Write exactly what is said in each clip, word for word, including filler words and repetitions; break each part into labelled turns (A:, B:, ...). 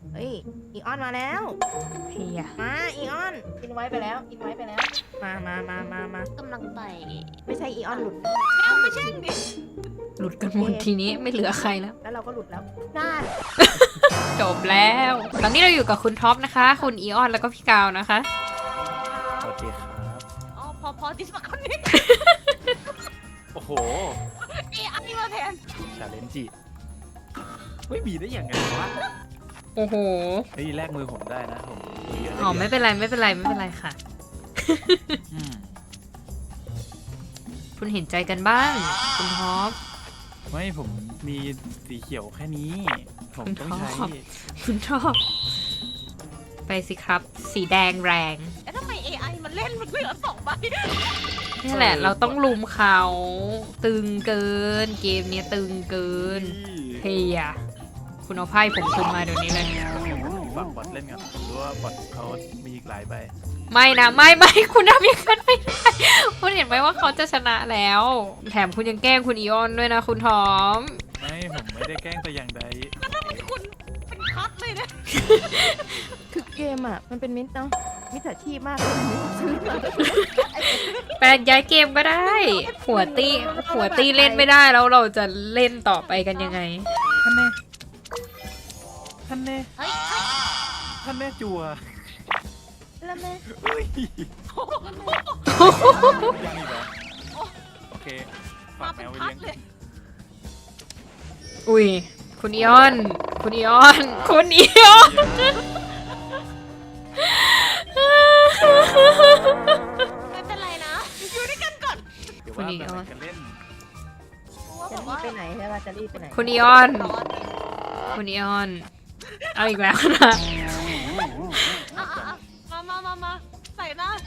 A: เฮ้ยอีออนมาแล้ว
B: เฮีย
A: มาอีออนอินไว้ไปแล้วอินไว้ไปแล้ว มามามามามา
C: กำลังไป
A: ไม่ใช่อีออนหลุด
C: เอ้าไม่ใช่ดิ
B: หลุดกันหมดทีนี้ไม่เหลือใครแล้ว
A: แล้วเราก็หลุดแล้วน่า
B: จบแล้วตอนนี้เราอยู่กับคุณท็อปนะคะ คุณอีออนแล้วก็พี่กาวนะคะ
D: สวัสดีครับ
C: อ๋อพอพอที่สมัครคนนี้
D: โอ้โห
C: เอ้อันนี้มาแทน
D: ชาเลนจิไม่มีได้ยังไงวะ
B: โอ้โห
D: เฮ้ยแลกมือผมได้นะผมมืเยอะ
B: อ๋อไม่เป็นไรไม่เป็นไรไม่เป็นไรค่ะ
D: อืม
B: คุณเห็นใจกันบ้าง คุณท็อป
D: ไม่ผมมีสีเขียวแค่นี้ ผมต้องใช้
B: ชอบ คุณท็อปไปสิครับ สีแดงแรง
C: แล้วทำไม เอ ไอ มันเล่นมันเหลือสองใบ
B: นี่แหละเราต้องลุมเขา ตึงเกิน เกมเนี้ยตึงเกินเฮียคุณเอาไพ่ผมคุณมาเดี๋ยวนี้เลย
D: ฝากบอทเล่นกันผมรู้ว่าบอทเขามีอีกหลายใบ
B: ไม่นะไม่ไม่คุณทำอย่างนั้นไม่ได้คุณเห็นไหมว่าเขาจะชนะแล้ว แถมคุณยังแกล้งคุณอีออนด้วยนะคุณทอม
D: ไม่ผมไม่ได้แกล้งแต่อย่างใด
C: แล้วทำไมคุณเป็นคัดเลยเนี่ย
A: คือเกมอ่ะมันเป็นมิตรเนาะมิจฉาชีพมากเลย
B: แปลย้ายเกมก็ได้ หัวตีหัวตีเล่นไม่ได้แล้วเราจะเล่นต่อไปกันยังไง
D: ท่านแน่ท่านแน่
C: เฮ้ยเฮ้ย
D: ท่านแน่จัว
A: แล้วแม่
D: เฮ้ยยังอีกเหรอโอเคฝาม
C: าก
D: แม
C: เป็น
D: วไว้
C: คัด
D: เลี้ยง
C: เลย
B: อุ้ยคุณอีออน คุณอีออน คุณอีออน
C: ไม่เป็นไรนะอยู่ด้วยกันก่อน
D: เดี๋ยวว่าแบบไหนกันเล่น
C: เพราะว่า
A: จะ
C: แบบ
A: รีบ
C: ว่า
A: ไปไหนใช่ป่ะจะรีบไปไหน
B: คุณอีออน
C: ตอน
B: คุณอีออน เอาอีกแล้วนะ
C: อ่ะอ่ะอ่ะมามามามาใส่หน้า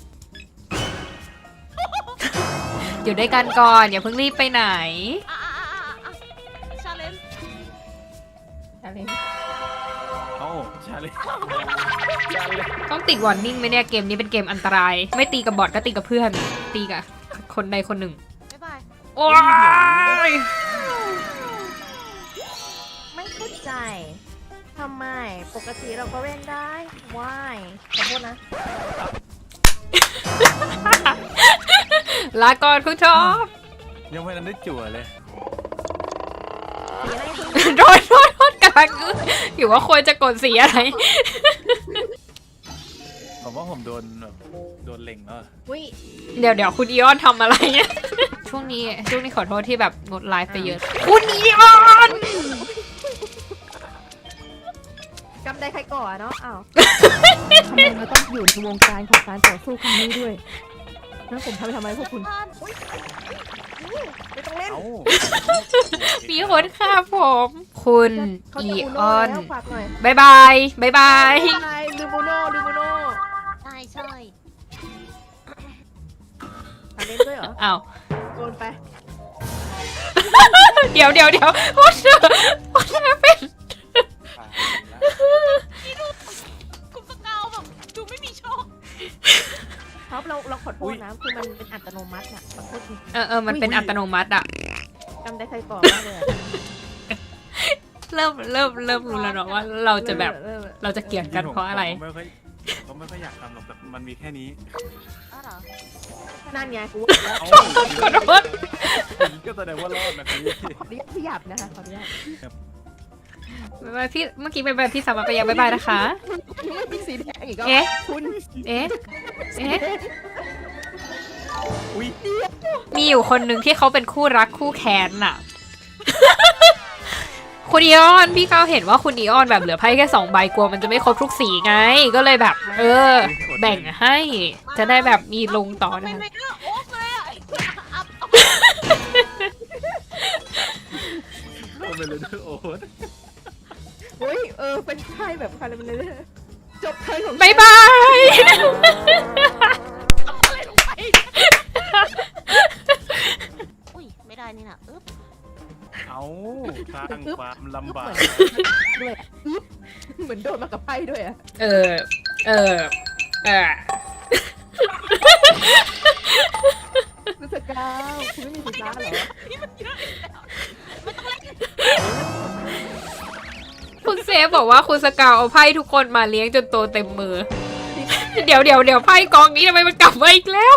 B: อยู่ด้วยกันก่อนอย่าเพิ่งรีบไปไหน
C: อ่ะอ่ะอ่ะอ่ะอ่ะชาเลนจ์
A: อะไร
D: เอ้าชาเลนชาเลน
B: ต้องติดวอร์นิ่งไหมเนี่ยเกมนี้เป็นเกมอันตราย ไม่ตีกับบอทก็ตีกับเพื่อน ตีกับคนใดคนหนึ่ง
C: บ๊ายบาย
B: โอ้ย
A: ไม่เข้าใจทำไมปกติเราก็เล่นได้ว้ายขอโทษนะ
B: ลาก่อนคุณชอบ
D: ยังไม่ทันได้จั่วเลย
A: สีอะไรคุณ
B: โดนโดนโดนกำลังอึ้งอยู่ว่าควรจะกดสีอะไร
D: ผมว่าผมโดนแบบโดนเล็งแล้วอะ
A: อุ้ย
B: เดี๋ยวเดี๋ยวคุณอีออนทำอะไรเนี่ย ช่วงนี้ช่วงนี้ขอโทษที่แบบงดไลฟ์ไปเยอะ คุณอีออน
A: จำได้ใครก่อนเนาะอ้าวทำไมเราต้องอยู่ในวงการของการต่อสู้ครั้งนี้ด้วยนั่นผมทำไปทำไมพวกคุณไม่ต้องเล่น
D: เอ้า
B: มีคนฆ่าผม คุณ
A: เขา
B: อี
A: จะอุ
B: อ
A: โน่
B: อน
A: แล้วฝากหน่อย
B: บายบายบายบาย
A: ใช่ลืมโมโน่ลืมโมโน่
C: ใช่ใช่
A: อ่ะเล่นด้วยเหรอ
B: อ้าว
A: โดนไป
B: เดี๋ยวเดี๋ยวเดี๋ยว what what happened
C: คุณสกาวแบบดูไม่มีโชค
A: ครับเราเราขอโทษนะคือมันเป็นอัตโนมัติน่ะขอโทษจริง
B: เออเออมันเป็นอัตโนมัติอะ
A: ๆจำได้ใครก่อนมากเลยอะ
B: เริ่มเริ่มเริ่มรู้แล้วเนาะว่าเราจะแบบ
A: เออ
B: เราจะเกลียดกันเพราะอะไร
D: ผมไม่ค่อยผมไม่ค่อยอยากทำหรอกแต่มันมีแค่นี้
C: อ้าวเหรอ
A: นั่นไงกูว่าแล้ว
D: เอ้า
B: ขอโทษ
D: ก็แสดงว่ารอดนะพี่
A: ขออนุญาตพี่หยับนะคะขออนุญาต
B: บ๊ายบายพี่เมื่อกี้ไปบายพี่สามารถไปยังบายบายนะคะ
A: ไม่มีสีแดงอีกแล้ว
B: เอ๊ะ
A: คุณ
B: เอ๊ะเอ๊ะ
D: อุ้ย
B: มีอยู่คนหนึ่งที่เขาเป็นคู่รักคู่แค้นน่ะ คุณอีออนพี่ก้าวเห็นว่าคุณอีออนแบบเหลือไพ่แค่สองใบกลัวมันจะไม่ครบทุกสีไง ก็เลยแบบ เออ แบ่งให้ จะได้แบบมีลงต่อ
C: เป็
B: นะ
C: น
B: คะ
C: ไมเกอร์โอ๊กเลยอ่ะอัพอัพ
D: โดนไปเลยด้วยโอ๊ต
A: เฮ้ยเออเป็นไพ่แบบคาราเมลเลยจบไพ่ของ
B: บายบาย
C: อะไรลงไปอุ้ยไม่ได้นี่นะอึ๊บ
D: เอาสร้างความลำบาก
A: ด้วยอะอึ๊บเหมือนโดนมากับไพ่ด้วยอะ
B: เออ เออ เออ
A: รู้สึกกาวคุณไม่มีสิทธิ์ล้าเหรอ
C: นี่มันเยอะอีกแล้วไม่ต้องเล่น
A: ท
B: คุณเซฟบอกว่าคุณสกาวเอาไพ่ทุกคนมาเลี้ยงจนโตเต็มมือ เดี๋ยวเดี๋ยวเดี๋ยวไพ่กองนี้ทำไมมันกลับมาอีกแล้ว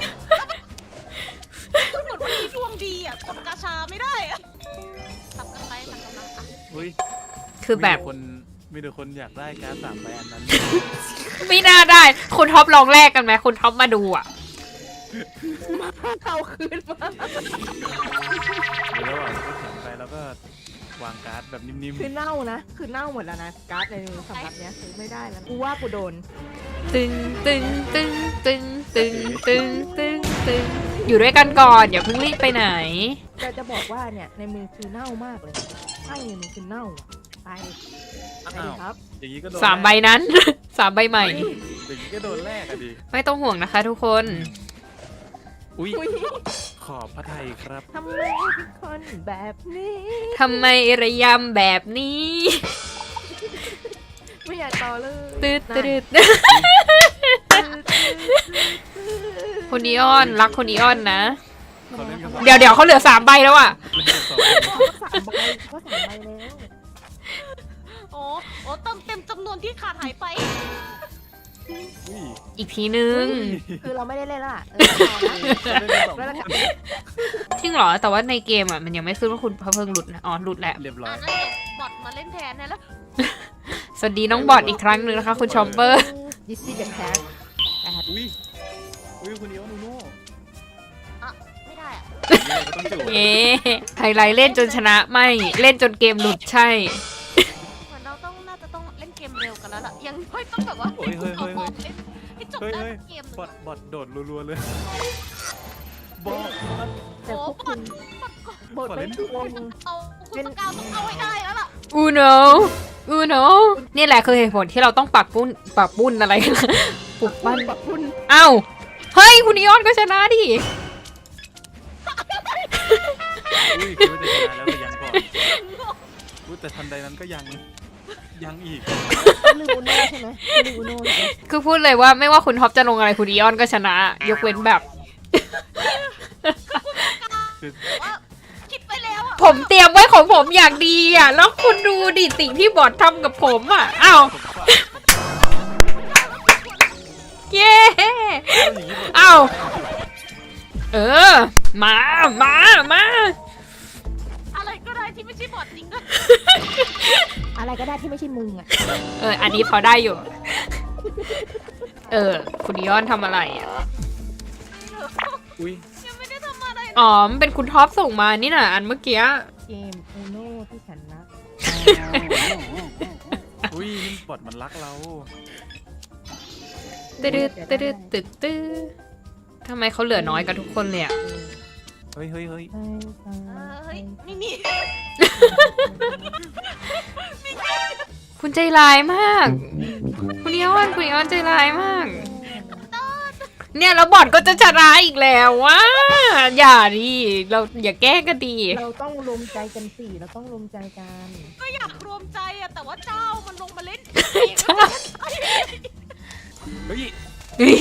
C: คุณหมดวันนี้ดวงดีอ่ะกดกาชาไม่ได้อ่ะสับกันไปสับกันมาอ่ะ
D: อุ้ย
B: คือแบบ
D: มีต่คนมีแต่คนอยากได้การ์ดสามใบอันนั้น
B: ไม่น่าได้ คุณท็อปลองแลกกันไหมคุณท็อปมาดูอ่ะ
A: เอาคืนมา
D: หรือระหว่างที่แข่งไปแล้วก็วางการ์ดแบบนิ่ม
A: คือเน่านะคือเน่าหมดแล้วนะการ์ดในสำหรับเนี้ยคือไม่ได้แล้วกูว่ากูโดน
B: ตึงตึงตึงตึงตึงตึงตึงตึงอยู่ด้วยกันก่อนอย่าเพิ่งรีบไปไหน
A: แต่จะบอกว่าเนี่ยในมือคือเน่ามากเลยไพ่ในมือคือเน่าอะไป
D: ๆ
A: ไป
D: อ้า
A: ดิ
D: ว
A: ครับ
D: อย่างนี้ก็โดน
B: สามใบนั้น สามใบใหม่
D: อย่างนี้ก็โดนแรกอะดิ
B: ไม่ต้องห่วงนะคะทุกคน
D: อุ้ย
A: อุ๊ย
D: ขอบพระไทยครับ
A: ทำไมเป็นคนแบบนี้
B: ทำไมระยำแบบนี้
A: ไม่อยากต่อเลย
B: ตืด
A: นั่น
B: ตืดคนอีออนรักคนอีออนนะ
D: เขาเล่นกันสอง
B: เดี๋ยวเดี๋ยวเขาเหลือสามใบแล้วอ่ะ
D: เล่นกันสอง
A: ก็สามใบก็สามใบแล้ว
C: โอ้โอ้เติมเต็มจำนวนที่ขาดหายไป
D: อุ้ย
B: อีกทีนึง
A: คือเราไม่ได้เล่นละเออเอานะ
D: เขาเล่นกันสอง
A: แล้วกัน
B: จริงเหรอ แต่ว่าในเกมอ่ะมันยังไม่ขึ้นว่าคุณพระเพิ่งหลุดนะอ๋อหลุดแล้ว
D: เรียบร้อ
C: อ่ะ
D: ย
C: งั้นเดี๋ยวบอทมาเล่นแทนนะแล้ว
B: สวัสดีน้องบอดอีกครั้งหนึ่งนะคะ คุณชอมเปอร์
A: ดิสซี่เดอะแคท
D: อุ้ยอุ้ยคุณเดียวนูโน่
C: อ่ะไม่ได้อ่ะ
D: นี่ก็ต้องจู่
B: เอ๊ไฮไลท์เล่นจนชนะไม่เล่นจนเกมหลุดใช่
C: เหมือนเราต้องน่าจะต้องเล่นเกมเร็วกันแล้วล่ะยังไม่ต้องแบบว่า
D: เฮ้ยเฮ้ยเฮ้ยเฮ้ย
C: ให้จบ
D: เฮ้ย
C: ได้
D: เฮ้ย
C: เกม
D: บอดบอดโดดรัวๆเลยบอด
A: แต่พวกคุณบทไม่ถูก
C: เอาคุณสกาวต้องเอาให้ได้แล้วล่ะ
B: อูโนอูโนนี่แหละคือเหตุผลที่เราต้องปักปุ้นปักปุ้นอะไรกันนะปลุกปั้น
A: แบบคุณ
B: เอ้าเฮ้ยคุณอีออนก็ชนะดิ
D: อุ้ยคือว่าจะชนะแล้วแต่ยังก่อนอุ้ยแต่ทันใดนั้นก็ยังยังอีก
A: ลืมอุโน่ใช่ไหมลืมอุโน่ใช่ไหม
B: คือพูดเลยว่าไม่ว่าคุณท็อปจะลงอะไรคุณอีออนก็ชนะ ยกเว้นแบบ
D: คือ
C: ว่าคิดไปแล้วอ่ะ
B: ผมเตรียมไว้ของผมอย่างดีอ่ะ แล้วคุณดูดิสิ่งที่บอททำกับผมอ่ะอ้าว
D: ผมฝาก
B: เย้
D: เอาอย่างนี้หมด
B: อ้าวเออ มา มา มา
C: อะไรก็ได้ที่ไม่ใช่บอทจริงก็
A: อะไรก็ได้ที่ไม่ใช่มึงอ่ะ
B: เออ อันนี้พอได้อยู่ เออ คุณอีออนทำอะไรอ่ะ
D: อุ้ย
C: ยังไม่ได้ทำอะไรเลย
B: อ๋อมันเป็นคุณท็อปส่งมานี่น่ะ อันเมื่อกี้
A: เกมอุโน่ที่ฉันรัก
D: อุ้ยนี่บอดมันรักเรา
B: ตึ๊ดตึ๊ดตึ๊ดตึ๊ดทำไมเขาเหลือน้อยกับทุกคนเลยอ่ะ
D: เฮ้ยเฮ้ยเฮ้ย
C: เออเฮ้ยนี่นี่
B: คุณใจร้ายมาก คุณอีออนคุณอีออนใจร้ายมาก เนี่ยแล้วบอทก็จะชนะอีกแล้วว่าอย่าดิเราอย่าแกล้งกันดี
A: เราต้องรวมใจกันสิเราต้องรวมใจกัน
C: ก็อยากรวมใจอะแต่ว่าเจ้ามันลงมาเล่น
B: ใช่
D: เฮ้ย
B: เฮ้ย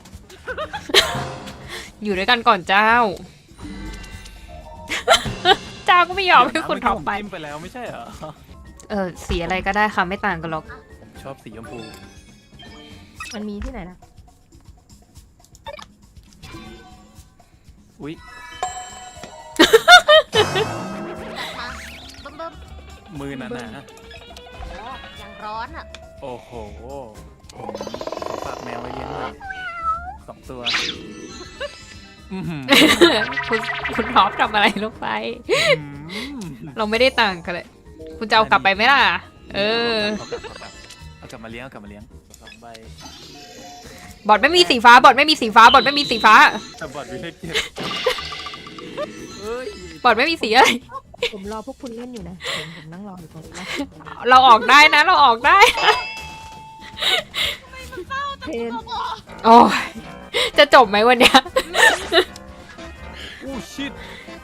B: อยู่ด้วยกันก่อนเจ้า เจ้าก็ไม่ยอมให้คุณท็อปไป
D: จิ้มไปแล้วไม่ใช่เหรอ
B: เออสีอะไรก็ได้ค่ะไม่ต่างกันหรอก
D: ชอบสีชมพู
A: มันมีที่ไหนนะ
D: อุ้ย
C: มาเบิ่มเบิ่ม
D: มือหนาหนา
C: อ๋อยังร้อนอะ
D: โอ้โหผมขอฝากแมวไว้เลี้ยงหน่อยสองตัวอื้อหือ
B: คุณคุณท็อปทำอะไรลงไป
D: อืม
B: เราไม่ได้ต่างกันเลย คุณจะเอากลับไปไหมล่ะ เออ
D: เอากลับเอากลับเอากลับมาเลี้ยงเอากลับมาเลี้ยงสองใบบ
B: อทไม่มีสีฟ้า บอทไม่มีสีฟ้า บอทไม่มีสีฟ้า
D: แต่บอดวิเลขเจ็ดเอ้ย
B: บอทไม่มีสีอะไร
A: ผมรอพวกคุณเล่นอยู่นะผมผมนั่งรออยู่ตรงนี้นะ
B: เราออกได้นะ เราออกได้
A: เพน
C: บอก
B: โอ้ยจะจบไหมวันเนี้ย
D: อู้ชิด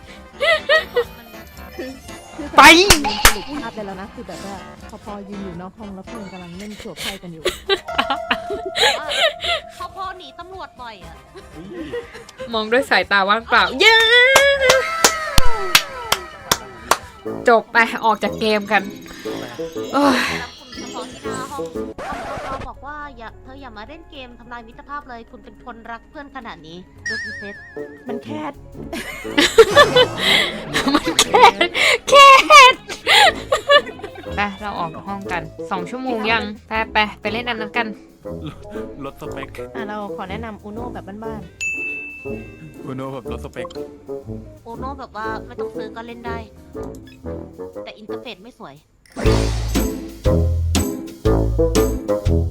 B: ไป
A: สรุปภาพได้แล้วนะคือแบบว่าพอพอยืนอยู่นอกห้องแล้วเพื่อนกำลังเล่นสวบไพ่กันอยู่
C: ว่าพอพอหนีตำรวจบ่อยอะ
D: อุ้ย
B: มองด้วยสายตาว่างเปล่า เย้ จบไปออกจากเกมกัน
D: ไป
B: โอ้ย
C: รับคุณเฉพาะที่หน้าห้องเราบอกว่าอย่าเธออย่ามาเล่นเกมทำลายมิตรภาพเลย คุณเป็นคนรักเพื่อนขนาดนี้ด้วยคุณเซต
A: มันแค่
B: แค่ไปเราออกจากห้องกันสองชั่วโมงยังไปไปไปเล่นอันนั้นกัน
D: ลดสเปค
A: อ่ะเราขอแนะนำอูโน่แบบบ้าน
D: อุโนแบบลดสเปค
C: โอโน่แบบว่าไม่ต้องซื้อก็เล่นได้ แต่อินเทอร์เฟซไม่สวย
A: ๆ